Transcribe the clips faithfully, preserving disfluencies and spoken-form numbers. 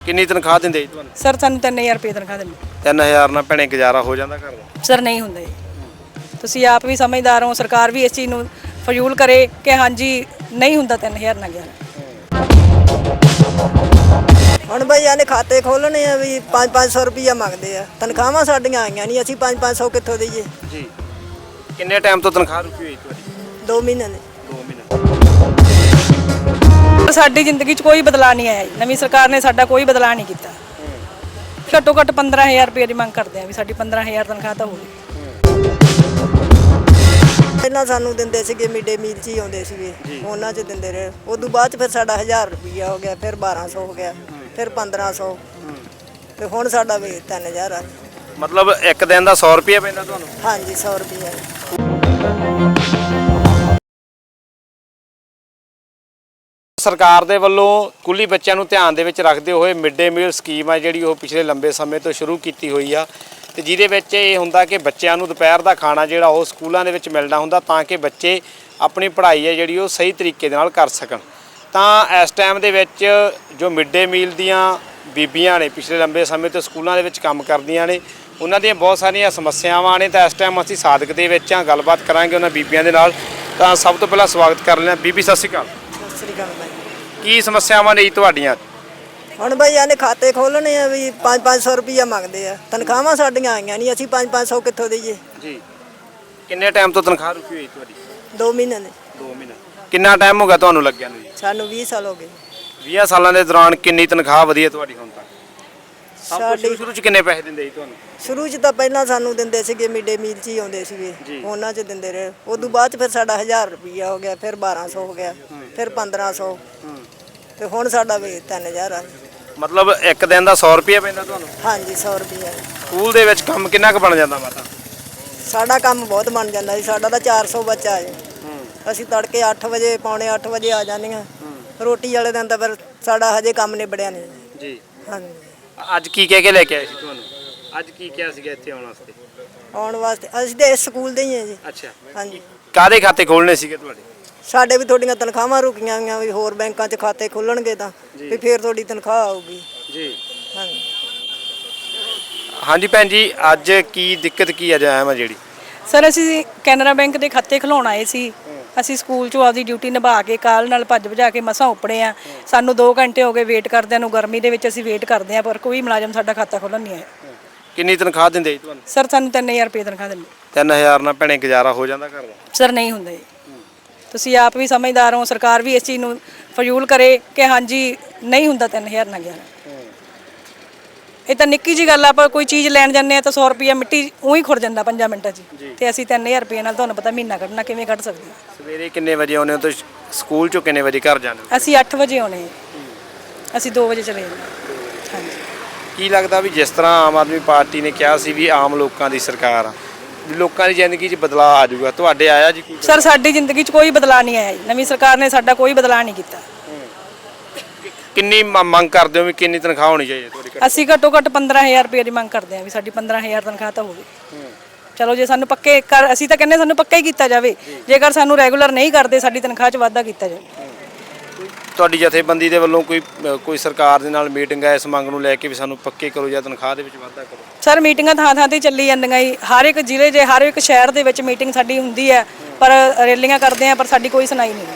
ਕਿੰਨੀ ਤਨਖਾਹ ਦਿੰਦੇ ਜੀ ਤੁਹਾਨੂੰ? ਸਰ ਸਾਨੂੰ ਤਿੰਨ ਹਜ਼ਾਰ ਰੁਪਏ ਤਨਖਾਹ ਦਿੰਦੇ। ਤਿੰਨ ਹਜ਼ਾਰ ਨਾਲ ਭੈਣੇ ਗੁਜ਼ਾਰਾ ਹੋ ਜਾਂਦਾ ਘਰ ਦਾ? ਸਰ ਨਹੀਂ ਹੁੰਦਾ ਜੀ। ਤੁਸੀਂ ਆਪ ਵੀ ਸਮਝਦਾਰ ਹੋ, ਸਰਕਾਰ ਵੀ ਇਸ ਚੀਜ਼ ਨੂੰ ਫਜ਼ੂਲ ਕਰੇ ਕਿ ਹਾਂਜੀ ਨਹੀਂ ਹੁੰਦਾ ਤਿੰਨ ਹਜ਼ਾਰ ਨਾਲ ਗੁਜ਼ਾਰਾ। ਹੁਣ ਬਈ ਇਹਨੇ ਖਾਤੇ ਖੋਲਣੇ ਆ ਵੀ ਪੰਜ ਪੰਜ ਸੌ ਰੁਪਈਆ ਮੰਗਦੇ ਆ। ਤਨਖਾਹਾਂ ਸਾਡੀਆਂ ਆਈਆਂ ਨਹੀਂ, ਅਸੀਂ ਪੰਜ ਪੰਜ ਸੌ ਕਿੱਥੋਂ ਦਈਏ? ਜੀ ਕਿੰਨੇ ਟਾਈਮ ਤੋਂ ਤਨਖਾਹ ਰੁਕੀ ਹੋਈ ਤੁਹਾਡੀ? ਦੋ ਮਹੀਨੇ ਨੇ। ਦੋ ਮਹੀਨੇ। ਸਾਡੀ ਜ਼ਿੰਦਗੀ 'ਚ ਕੋਈ ਬਦਲਾਅ ਨਹੀਂ ਆਇਆ ਜੀ। ਨਵੀਂ ਸਰਕਾਰ ਨੇ ਸਾਡਾ ਕੋਈ ਬਦਲਾਅ ਨਹੀਂ ਕੀਤਾ। ਘੱਟੋ ਘੱਟ ਪੰਦਰਾਂ ਹਜ਼ਾਰ ਰੁਪਏ ਦੀ ਮੰਗ ਕਰਦੇ ਆ ਵੀ ਸਾਡੀ ਪੰਦਰਾਂ ਹਜ਼ਾਰ ਤਨਖਾਹ ਤਾਂ ਹੋਵੇ। ਪਹਿਲਾਂ ਸਾਨੂੰ ਦਿੰਦੇ ਸੀਗੇ ਮਿਡੇ ਮੀਲ 'ਚ ਹੀ ਆਉਂਦੇ ਸੀਗੇ, ਉਹਨਾਂ 'ਚ ਦਿੰਦੇ ਰਹੇ। ਉਦੋਂ ਬਾਅਦ 'ਚ ਫਿਰ ਸਾਡਾ ਹਜ਼ਾਰ ਰੁਪਈਆ ਹੋ ਗਿਆ, ਫਿਰ ਬਾਰਾਂ ਸੌ ਹੋ ਗਿਆ, ਫਿਰ ਪੰਦਰਾਂ ਸੌ, ਤੇ ਹੁਣ ਸਾਡਾ ਵੀ ਤਿੰਨ ਹਜ਼ਾਰ ਆ। ਮਤਲਬ ਇੱਕ ਦਿਨ ਦਾ ਸੌ ਰੁਪਏ ਪੈਂਦਾ ਤੁਹਾਨੂੰ? ਹਾਂਜੀ ਸੌ ਰੁਪਈਆ। ਸਰਕਾਰ ਦੇ ਵੱਲੋਂ ਸਕੂਲੀ ਬੱਚਿਆਂ ਨੂੰ ਧਿਆਨ ਦੇ ਵਿੱਚ ਰੱਖਦੇ ਹੋਏ ਮਿਡ ਡੇ ਮੀਲ ਸਕੀਮ ਆ ਜਿਹੜੀ ਉਹ ਪਿਛਲੇ ਲੰਬੇ ਸਮੇਂ ਤੋਂ ਸ਼ੁਰੂ ਕੀਤੀ ਹੋਈ ਆ, ਤੇ ਜਿਹਦੇ ਵਿੱਚ ਇਹ ਹੁੰਦਾ ਕਿ ਬੱਚਿਆਂ ਨੂੰ ਦੁਪਹਿਰ ਦਾ ਖਾਣਾ ਜਿਹੜਾ ਉਹ ਸਕੂਲਾਂ ਦੇ ਵਿੱਚ ਮਿਲਣਾ ਹੁੰਦਾ ਤਾਂ ਕਿ ਬੱਚੇ ਆਪਣੀ ਪੜ੍ਹਾਈ ਹੈ ਜਿਹੜੀ ਉਹ ਸਹੀ ਤਰੀਕੇ ਦੇ ਨਾਲ ਕਰ ਸਕਣ। ਤਾਂ ਇਸ ਟਾਈਮ ਦੇ ਵਿੱਚ ਜੋ ਮਿਡ ਡੇ ਮੀਲ ਦੀਆਂ ਬੀਬੀਆਂ ਨੇ ਪਿਛਲੇ ਲੰਬੇ ਸਮੇਂ ਤੋਂ ਸਕੂਲਾਂ ਦੇ ਵਿੱਚ ਕੰਮ ਕਰਦੀਆਂ ਨੇ, ਉਹਨਾਂ ਦੀਆਂ ਬਹੁਤ ਸਾਰੀਆਂ ਸਮੱਸਿਆਵਾਂ ਨੇ। ਤਾਂ ਇਸ ਟਾਈਮ ਅਸੀਂ ਸਾਦਕ ਦੇ ਵਿੱਚ ਹਾਂ, ਗੱਲਬਾਤ ਕਰਾਂਗੇ ਉਹਨਾਂ ਬੀਬੀਆਂ ਦੇ ਨਾਲ। ਤਾਂ ਸਭ ਤੋਂ ਪਹਿਲਾਂ ਸਵਾਗਤ ਕਰ ਲੈਣਾ ਬੀਬੀ, ਸਤਿ ਸ਼੍ਰੀ ਅਕਾਲ। ਸਤਿ ਸ੍ਰੀ ਅਕਾਲ ਬਾਈ। ਕੀ ਸਮੱਸਿਆਵਾਂ ਨੇ ਜੀ ਤੁਹਾਡੀਆਂ? ਹੁਣ ਬਈ ਇਹਨੇ ਖਾਤੇ ਖੋਲਣੇ ਆ ਵੀ ਪੰਜ ਪੰਜ ਸੌ ਰੁਪਈਆ ਮੰਗਦੇ ਆ। ਤਨਖਾਹਾਂ ਸਾਡੀਆਂ ਆਈਆਂ ਨਹੀਂ, ਅਸੀਂ ਪੰਜ ਪੰਜ ਸੌ ਕਿੱਥੋਂ ਦਈਏ? ਜੀ ਕਿੰਨੇ ਟਾਈਮ ਤੋਂ ਤਨਖਾਹ ਰੁਕੀ ਹੋਈ ਤੁਹਾਡੀ? ਦੋ ਮਹੀਨੇ ਨੇ। ਦੋ ਮਹੀਨੇ। ਕਿੰਨਾ ਟਾਈਮ ਹੋ ਗਿਆ ਤੁਹਾਨੂੰ ਲੱਗਿਆ ਨੂੰ ਜੀ? ਸਾਨੂੰ ਵੀਹ ਸਾਲ ਹੋ ਗਏ। ਵੀਹ ਸਾਲਾਂ ਦੇ ਦੌਰਾਨ ਕਿੰਨੀ ਤਨਖਾਹ ਵਧੀ ਹੈ ਤੁਹਾਡੀ ਹੁਣ ਤੱਕ? ਸਭ ਤੋਂ ਸਾਡੀ ਸ਼ੁਰੂ 'ਚ ਕਿੰਨੇ ਪੈਸੇ ਦਿੰਦੇ ਜੀ ਤੁਹਾਨੂੰ? ਸ਼ੁਰੂ 'ਚ ਤਾਂ ਪਹਿਲਾਂ ਸਾਨੂੰ ਦਿੰਦੇ ਸੀਗੇ ਮਿਡੇ ਮੀਲ 'ਚ ਹੀ ਆਉਂਦੇ ਸੀਗੇ, ਉਹਨਾਂ 'ਚ ਦਿੰਦੇ ਰਹੇ। ਉਦੋਂ ਬਾਅਦ 'ਚ ਫਿਰ ਸਾਡਾ ਹਜ਼ਾਰ ਰੁਪਈਆ ਹੋ ਗਿਆ, ਫਿਰ ਬਾਰਾਂ ਸੌ ਹੋ ਗਿਆ, ਫਿਰ ਪੰਦਰਾਂ ਸੌ, ਤੇ ਹੁਣ ਸਾਡਾ ਵੀ ਤਿੰਨ ਹਜ਼ਾਰ ਆ। ਮਤਲਬ ਇੱਕ ਦਿਨ ਦਾ ਸੌ ਰੁਪਏ ਪੈਂਦਾ ਤੁਹਾਨੂੰ? ਹਾਂਜੀ ਸੌ ਰੁਪਈਆ। ਸਕੂਲ ਦੇ ਵਿੱਚ ਕੰਮ ਕਿੰਨਾ ਕੁ ਬਣ ਜਾਂਦਾ ਮਾਤਾ? ਸਾਡਾ ਕੰਮ ਬਹੁਤ ਬਣ ਜਾਂਦਾ ਜੀ। ਸਾਡਾ ਤਾਂ ਚਾਰ ਸੌ ਬੱਚਾ ਹੈ। ਅਸੀਂ ਤੜਕੇ ਅੱਠ ਵਜੇ ਪੌਣੇ ਅੱਠ ਵਜੇ ਆ ਜਾਂਦੀਆਂ। ਰੋਟੀ ਵਾਲੇ ਦਿਨ ਤਾਂ ਫਿਰ ਸਾਡਾ ਹਜੇ ਕੰਮ ਨਿਬੜਿਆ ਨਹੀਂ ਜੀ। ਹਾਂਜੀ। ਅੱਜ ਕੀ ਕਹਿ ਕੇ ਲੈ ਕੇ ਆਏ ਸੀ ਤੁਹਾਨੂੰ? ਅੱਜ ਕੀ ਕਿਹਾ ਸੀਗਾ ਇੱਥੇ ਆਉਣ ਵਾਸਤੇ? ਆਉਣ ਵਾਸਤੇ ਅਸੀਂ ਤਾਂ ਇਸ ਸਕੂਲ ਦੇ ਹੀ ਹਾਂ ਜੀ। ਅੱਛਾ। ਹਾਂਜੀ। ਕਾਹਦੇ ਖਾਤੇ ਖੋਲਣੇ ਸੀਗੇ ਤੁਹਾਡੇ? ਸਾਡੇ ਵੀ ਤੁਹਾਡੀਆਂ ਤਨਖਾਹਾਂ ਰੁਕੀਆਂ ਹੋਈਆਂ ਵੀ ਹੋਰ ਬੈਂਕਾਂ 'ਚ ਖਾਤੇ ਖੁੱਲਣਗੇ ਤਾਂ ਵੀ ਫਿਰ ਤੁਹਾਡੀ ਤਨਖਾਹ ਆਊਗੀ। ਜੀ। ਹਾਂਜੀ। ਹਾਂਜੀ ਭੈਣ ਜੀ, ਅੱਜ ਕੀ ਦਿੱਕਤ ਕੀ ਅੱਜ ਆਇਆ ਵਾ ਜਿਹੜੀ? ਸਰ ਅਸੀਂ ਕੈਨਰਾ ਬੈਂਕ ਦੇ ਖਾਤੇ ਖੁਲਾਉਣ ਆਏ ਸੀ। ਅਸੀਂ ਸਕੂਲ 'ਚੋਂ ਆਪਦੀ ਡਿਊਟੀ ਨਿਭਾ ਕੇ ਕਾਲ ਨਾਲ ਭੱਜ ਭਜਾ ਕੇ ਮਸਾਂ ਉੱਪੜੇ ਆ। ਸਾਨੂੰ ਦੋ ਘੰਟੇ ਹੋ ਗਏ ਵੇਟ ਕਰਦਿਆਂ ਨੂੰ। ਗਰਮੀ ਦੇ ਵਿੱਚ ਅਸੀਂ ਵੇਟ ਕਰਦੇ ਆ ਪਰ ਕੋਈ ਮੁਲਾਜ਼ਮ ਸਾਡਾ ਖਾਤਾ ਖੋਲ੍ਹਣ ਨਹੀਂ ਆਇਆ। ਕਿੰਨੀ ਤਨਖਾਹ ਦਿੰਦੇ ਜੀ ਤੁਹਾਨੂੰ? ਸਰ ਸਾਨੂੰ ਤਿੰਨ ਹਜ਼ਾਰ ਰੁਪਏ ਤਨਖਾਹ ਦਿੰਦੇ। ਤਿੰਨ ਹਜ਼ਾਰ ਨਾਲ ਭੈਣੇ ਗੁਜ਼ਾਰਾ ਹੋ ਜਾਂਦਾ ਘਰ ਦਾ? ਸਰ ਨਹੀਂ ਹੁੰਦਾ ਜੀ। ਤੁਸੀਂ ਆਪ ਵੀ ਸਮਝਦਾਰ ਹੋ, ਸਰਕਾਰ ਵੀ ਇਸ ਚੀਜ਼ ਨੂੰ ਫਜ਼ੂਲ ਕਰੇ ਕਿ ਹਾਂਜੀ ਨਹੀਂ ਹੁੰਦਾ ਤਿੰਨ ਹਜ਼ਾਰ ਨਾਲ ਗੁਜ਼ਾਰਾ। ਇਹ ਤਾਂ ਨਿੱਕੀ ਜੀ ਗੱਲ ਆ। ਆਪਾਂ ਕੋਈ ਚੀਜ਼ ਲੈਣ ਜਾਂਦੇ ਆ ਤਾਂ ਸੌ ਰੁਪਈਆ ਮਿੱਟੀ ਉਹੀ ਖੁਰ ਜਾਂਦਾ ਪੰਜਾਂ ਮਿੰਟਾਂ 'ਚ, ਤੇ ਅਸੀਂ ਤਿੰਨ ਹਜ਼ਾਰ ਰੁਪਏ ਨਾਲ ਤੁਹਾਨੂੰ ਪਤਾ ਮਹੀਨਾ ਕੱਢਣਾ ਕਿਵੇਂ ਕੱਢ ਸਕਦੇ ਹਾਂ? ਸਵੇਰੇ ਕਿੰਨੇ ਵਜੇ ਆਉਂਦੇ ਹੋ ਤੇ ਸਕੂਲ 'ਚੋਂ ਕਿੰਨੇ ਵਜੇ ਘਰ ਜਾਂਦੇ ਹੋ? ਅਸੀਂ ਅੱਠ ਵਜੇ ਆਉਣੇ, ਅਸੀਂ ਦੋ ਵਜੇ ਚਲੇ ਜਾਂਦੇ। ਹਾਂਜੀ। ਕੀ ਲੱਗਦਾ ਵੀ ਜਿਸ ਤਰ੍ਹਾਂ ਆਮ ਆਦਮੀ ਪਾਰਟੀ ਨੇ ਕਿਹਾ ਸੀ ਵੀ ਆਮ ਲੋਕਾਂ ਦੀ ਸਰਕਾਰ ਆ, ਵੀ ਲੋਕਾਂ ਦੀ ਜ਼ਿੰਦਗੀ 'ਚ ਬਦਲਾਅ ਆ ਜਾਊਗਾ, ਤੁਹਾਡੇ ਆਇਆ ਜੀ? ਸਰ ਸਾਡੀ ਜ਼ਿੰਦਗੀ 'ਚ ਕੋਈ ਬਦਲਾਅ ਨਹੀਂ ਆਇਆ ਜੀ। ਨਵੀਂ ਸਰਕਾਰ ਨੇ ਸਾਡਾ ਕੋਈ ਬਦਲਾਅ ਨਹੀਂ ਕੀਤਾ। ਕਿੰਨੀ ਮੰਗ ਕਰਦੇ ਹੋ ਵੀ ਕਿੰਨੀ ਤਨਖਾਹ ਹੋਣੀ ਚਾਹੀਦੀ ਤੁਹਾਡੀ? ਅਸੀਂ ਘੱਟੋ ਘੱਟ ਪੰਦਰਾਂ ਹਜ਼ਾਰ ਰੁਪਏ ਦੀ ਮੰਗ ਕਰਦੇ ਹਾਂ ਵੀ ਸਾਡੀ ਪੰਦਰਾਂ ਹਜ਼ਾਰ ਤਨਖਾਹ ਤਾਂ ਹੋਵੇ। ਚਲੋ ਜੇ ਸਾਨੂੰ ਪੱਕੇ ਕਰ, ਅਸੀਂ ਤਾਂ ਕਹਿੰਦੇ ਸਾਨੂੰ ਪੱਕਾ ਹੀ ਕੀਤਾ ਜਾਵੇ। ਜੇਕਰ ਸਾਨੂੰ ਰੈਗੂਲਰ ਨਹੀਂ ਕਰਦੇ ਸਾਡੀ ਤਨਖਾਹ 'ਚ ਵਾਧਾ ਕੀਤਾ ਜਾਵੇ। ਤੁਹਾਡੀ ਜਥੇਬੰਦੀ ਦੇ ਵੱਲੋਂ ਕੋਈ ਕੋਈ ਸਰਕਾਰ ਦੇ ਨਾਲ ਮੀਟਿੰਗ ਹੈ ਇਸ ਮੰਗ ਨੂੰ ਲੈ ਕੇ ਵੀ ਸਾਨੂੰ ਪੱਕੇ ਕਰੋ ਜਾਂ ਤਨਖਾਹ ਦੇ ਵਿੱਚ ਵਾਧਾ ਕਰੋ? ਸਰ ਮੀਟਿੰਗਾਂ ਥਾਂ ਥਾਂ ਤੇ ਚੱਲੀ ਜਾਂਦੀਆਂ ਜੀ। ਹਰ ਇੱਕ ਜ਼ਿਲ੍ਹੇ 'ਚ ਹਰ ਇੱਕ ਸ਼ਹਿਰ ਦੇ ਵਿੱਚ ਮੀਟਿੰਗ ਸਾਡੀ ਹੁੰਦੀ ਹੈ, ਪਰ ਰੈਲੀਆਂ ਕਰਦੇ ਆ ਪਰ ਸਾਡੀ ਕੋਈ ਸੁਣਾਈ ਨਹੀਂ।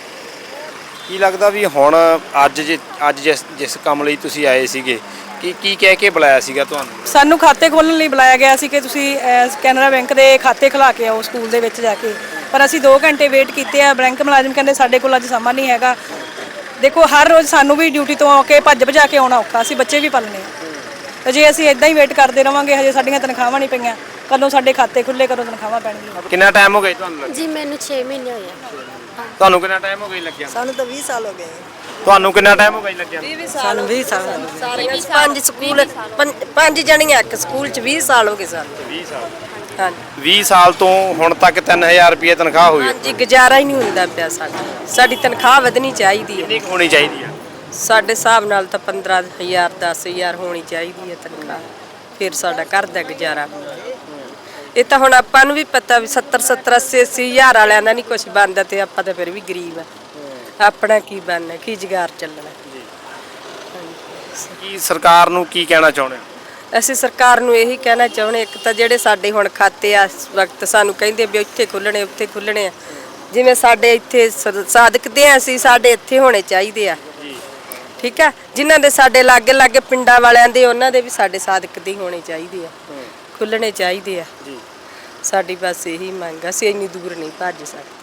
ਕੀ ਲੱਗਦਾ ਵੀ ਹੁਣ ਅੱਜ ਜੇ ਅੱਜ ਜਿਸ ਜਿਸ ਕੰਮ ਲਈ ਤੁਸੀਂ ਆਏ ਸੀਗੇ, ਕੀ ਕੀ ਕਹਿ ਕੇ ਬੁਲਾਇਆ ਸੀਗਾ ਤੁਹਾਨੂੰ? ਸਾਨੂੰ ਖਾਤੇ ਖੋਲ੍ਹਣ ਲਈ ਬੁਲਾਇਆ ਗਿਆ ਸੀ ਕਿ ਤੁਸੀਂ ਕੈਨਰਾ ਬੈਂਕ ਦੇ ਖਾਤੇ ਖੁਲਾ ਕੇ ਆਓ ਸਕੂਲ ਦੇ ਵਿੱਚ ਜਾ ਕੇ, ਪਰ ਅਸੀਂ ਦੋ ਘੰਟੇ ਵੇਟ ਕੀਤੇ ਆ। ਬੈਂਕ ਮੁਲਾਜ਼ਮ ਕਹਿੰਦੇ ਸਾਡੇ ਕੋਲ ਅੱਜ ਸਮਾਂ ਨਹੀਂ ਹੈਗਾ। ਦੇਖੋ ਹਰ ਰੋਜ਼ ਸਾਨੂੰ ਵੀ ਡਿਊਟੀ ਤੋਂ ਆ ਕੇ ਭੱਜ ਭਜਾ ਕੇ ਆਉਣਾ ਔਖਾ, ਅਸੀਂ ਬੱਚੇ ਵੀ ਪਾਲਣੇ ਆ। ਤੇ ਜੇ ਅਸੀਂ ਇਦਾਂ ਹੀ ਵੇਟ ਕਰਦੇ ਰਵਾਂਗੇ ਹਜੇ ਸਾਡੀਆਂ ਤਨਖਾਹਾਂ ਨਹੀਂ ਪਈਆਂ, ਕਦੋਂ ਸਾਡੇ ਖਾਤੇ ਖੁੱਲੇ, ਕਦੋਂ ਤਨਖਾਹਾਂ ਪੈਣਗੀਆਂ। ਕਿੰਨਾ ਟਾਈਮ ਹੋ ਗਿਆ ਤੁਹਾਨੂੰ? ਜੀ ਮੈਨੂੰ ਛੇ ਮਹੀਨੇ ਹੋਏ ਆ। ਤੁਹਾਨੂੰ ਕਿੰਨਾ ਟਾਈਮ ਹੋ ਗਿਆ ਲੱਗਿਆ? ਸਾਨੂੰ ਤਾਂ ਵੀਹ ਸਾਲ ਹੋ ਗਏ। ਤੁਹਾਨੂੰ ਕਿੰਨਾ ਟਾਈਮ ਹੋ ਗਿਆ ਲੱਗਿਆ? ਸਾਨੂੰ ਵੀਹ ਸਾਲ ਹੋ ਗਏ। ਸਾਰੇ ਪੰਜ ਸਕੂਲ ਪੰਜ ਜਣੀਆਂ ਇੱਕ ਸਕੂਲ 'ਚ ਵੀਹ ਸਾਲ ਹੋ ਗਏ ਸਾਨੂੰ। ਵੀਹ ਸਾਲ? ਹਾਂਜੀ। ਵੀਹ ਸਾਲ ਤੋਂ ਹੁਣ ਤੱਕ ਤਿੰਨ ਹਜ਼ਾਰ ਰੁਪਏ ਤਨਖਾਹ ਹੋਈ ਹੈ? ਹਾਂਜੀ, ਗੁਜ਼ਾਰਾ ਹੀ ਨਹੀਂ ਹੁੰਦਾ ਪਿਆ ਸਾਡਾ। ਸਾਡੀ ਤਨਖਾਹ ਵਧਣੀ ਚਾਹੀਦੀ ਹੈ। ਕਿੰਨੀ ਹੋਣੀ ਚਾਹੀਦੀ ਆ? ਸਾਡੇ ਹਿਸਾਬ ਨਾਲ ਤਾਂ ਪੰਦਰਾਂ ਹਜ਼ਾਰ ਦਸ ਹਜ਼ਾਰ ਹੋਣੀ ਚਾਹੀਦੀ ਹੈ ਤਨਖਾਹ, ਫਿਰ ਸਾਡਾ ਘਰ ਦਾ ਗੁਜ਼ਾਰਾ ਹੁੰਦਾ। ਇਹ ਤਾਂ ਹੁਣ ਆਪਾਂ ਨੂੰ ਵੀ ਪਤਾ ਵੀ ਸੱਤਰ ਸੱਤਰ ਅੱਸੀ ਅੱਸੀ ਹਜ਼ਾਰ ਵਾਲਿਆਂ ਦਾ ਨਹੀਂ ਕੁਝ ਬਣਦਾ, ਤੇ ਆਪਾਂ ਤਾਂ ਫਿਰ ਵੀ ਗਰੀਬ ਆ। ਆਪਣਾ ਕੀ ਬਣਨਾ, ਕੀ ਜੁਗਾਰ ਚੱਲਣਾ। ਕੀ ਸਰਕਾਰ ਨੂੰ ਕੀ ਕਹਿਣਾ ਚਾਹੁੰਦੇ ਹੋ? ਅਸੀਂ ਸਰਕਾਰ ਨੂੰ ਇਹੀ ਕਹਿਣਾ ਚਾਹੁੰਦੇ, ਇੱਕ ਤਾਂ ਜਿਹੜੇ ਸਾਡੇ ਹੁਣ ਖਾਤੇ ਆ ਇਸ ਵਕਤ ਸਾਨੂੰ ਕਹਿੰਦੇ ਵੀ ਇੱਥੇ ਖੁੱਲਣੇ ਉੱਥੇ ਖੁੱਲਣੇ ਆ, ਜਿਵੇਂ ਸਾਡੇ ਇੱਥੇ ਸ- ਸਾਦਕਦੇ ਆ ਅਸੀਂ, ਸਾਡੇ ਇੱਥੇ ਹੋਣੇ ਚਾਹੀਦੇ ਆ। ਠੀਕ ਆ, ਜਿਨ੍ਹਾਂ ਦੇ ਸਾਡੇ ਲਾਗੇ ਲਾਗੇ ਪਿੰਡਾਂ ਵਾਲਿਆਂ ਦੇ ਉਹਨਾਂ ਦੇ ਵੀ ਸਾਡੇ ਸਾਦਕਦੇ ਹੋਣੇ ਚਾਹੀਦੇ ਆ, ਖੁੱਲਣੇ ਚਾਹੀਦੇ ਆ। ਸਾਡੀ ਬਸ ਇਹੀ ਮੰਗ ਆ, ਅਸੀਂ ਇੰਨੀ ਦੂਰ ਨਹੀਂ ਭੱਜ ਸਕਦੇ।